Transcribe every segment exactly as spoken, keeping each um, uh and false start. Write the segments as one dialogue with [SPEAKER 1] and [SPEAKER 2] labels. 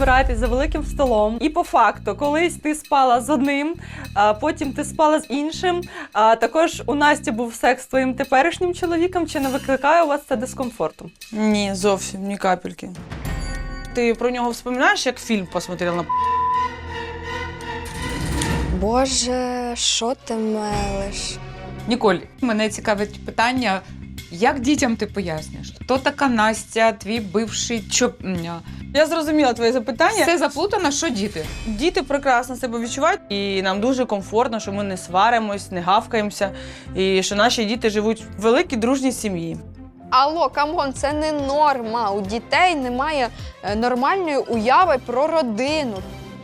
[SPEAKER 1] збираєтесь за великим столом, і по факту, колись ти спала з одним, а потім ти спала з іншим, а також у Насті був секс з твоїм теперішнім чоловіком, чи не викликає у вас це дискомфорту?
[SPEAKER 2] Ні, зовсім, ні капельки. Ти про нього вспоминаєш, як фільм посмотрела?
[SPEAKER 3] Боже, що ти мелиш?
[SPEAKER 4] Ніколь, мене цікавить питання, як дітям ти поясниш? Хто така Настя, твій бивший чоп...
[SPEAKER 2] Я зрозуміла твоє запитання.
[SPEAKER 4] Все заплутано, що діти?
[SPEAKER 2] Діти прекрасно себе відчувають, і нам дуже комфортно, що ми не сваримось, не гавкаємося, і що наші діти живуть в великій дружній сім'ї.
[SPEAKER 3] Алло, камон, це не норма. У дітей немає е, нормальної уяви про родину.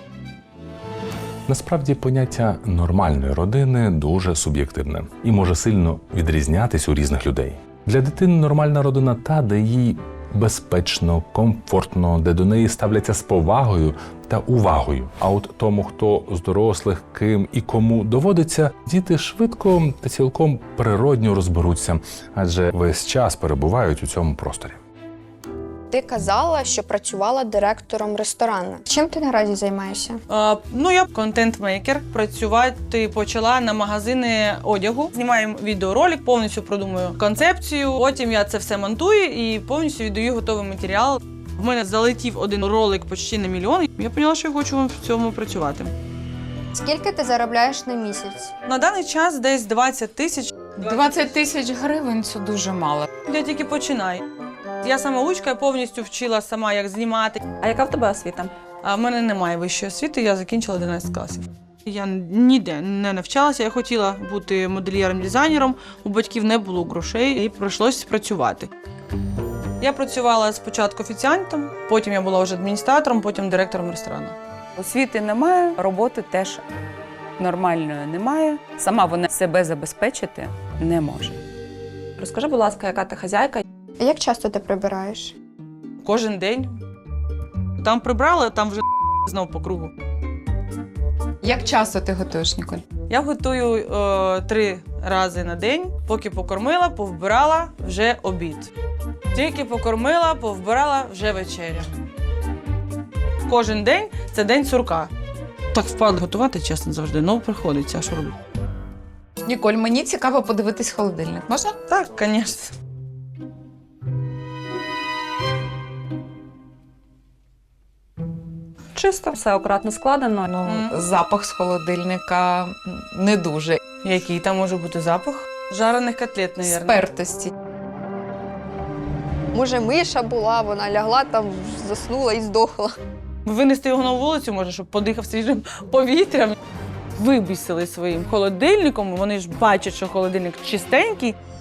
[SPEAKER 5] Насправді поняття нормальної родини дуже суб'єктивне і може сильно відрізнятись у різних людей. Для дитини нормальна родина та, де їй безпечно, комфортно, де до неї ставляться з повагою та увагою. А от тому, хто з дорослих, ким і кому доводиться, діти швидко та цілком природньо розберуться, адже весь час перебувають у цьому просторі.
[SPEAKER 3] Ти казала, що працювала директором ресторану. Чим ти наразі займаєшся?
[SPEAKER 2] А, ну, я контент-мейкер. Працювати почала на магазини одягу. Знімаю відеоролик, повністю продумую концепцію. Потім я це все монтую і повністю віддаю готовий матеріал. В мене залетів один ролик почти на мільйон. Я поняла, що я хочу в цьому працювати.
[SPEAKER 3] Скільки ти заробляєш на місяць?
[SPEAKER 2] На даний час десь двадцять тисяч.
[SPEAKER 4] двадцять тисяч гривень – це дуже мало.
[SPEAKER 2] Я тільки починаю. Я самоучка, я повністю вчила сама, як знімати.
[SPEAKER 1] А яка в тебе освіта?
[SPEAKER 2] А в мене немає вищої освіти, я закінчила одинадцять класів. Я ніде не навчалася, я хотіла бути модельєром-дизайнером, у батьків не було грошей і прийшлося працювати. Я працювала спочатку офіціантом, потім я була вже адміністратором, потім директором ресторану.
[SPEAKER 6] Освіти немає, роботи теж нормальної немає. Сама вона себе забезпечити не може.
[SPEAKER 1] Розкажи, будь ласка, яка ти хазяйка?
[SPEAKER 3] Як часто ти прибираєш?
[SPEAKER 2] Кожен день. Там прибрали, там вже знову по кругу.
[SPEAKER 4] Як часто ти готуєш, Ніколь?
[SPEAKER 2] Я готую е, три рази на день, поки покормила, повбирала, вже обід. Тільки покормила, повбирала, вже вечеря. Кожен день – це день сурка. Так впадло готувати, чесно, завжди, ну приходиться, а що робити?
[SPEAKER 4] Ніколь, мені цікаво подивитись холодильник. Можна?
[SPEAKER 2] Так, звісно.
[SPEAKER 1] Чисто, все акуратно складено.
[SPEAKER 4] Ну,
[SPEAKER 2] Мгм.
[SPEAKER 4] запах з холодильника не дуже.
[SPEAKER 2] Який там може бути запах? Жарених котлет, мабуть.
[SPEAKER 4] Спертості.
[SPEAKER 3] Може, миша була, вона лягла там, заснула і здохла.
[SPEAKER 2] Винести його на вулицю, може, щоб подихав свіжим повітрям. Вибісили своїм холодильником, вони ж бачать, що холодильник чистенький.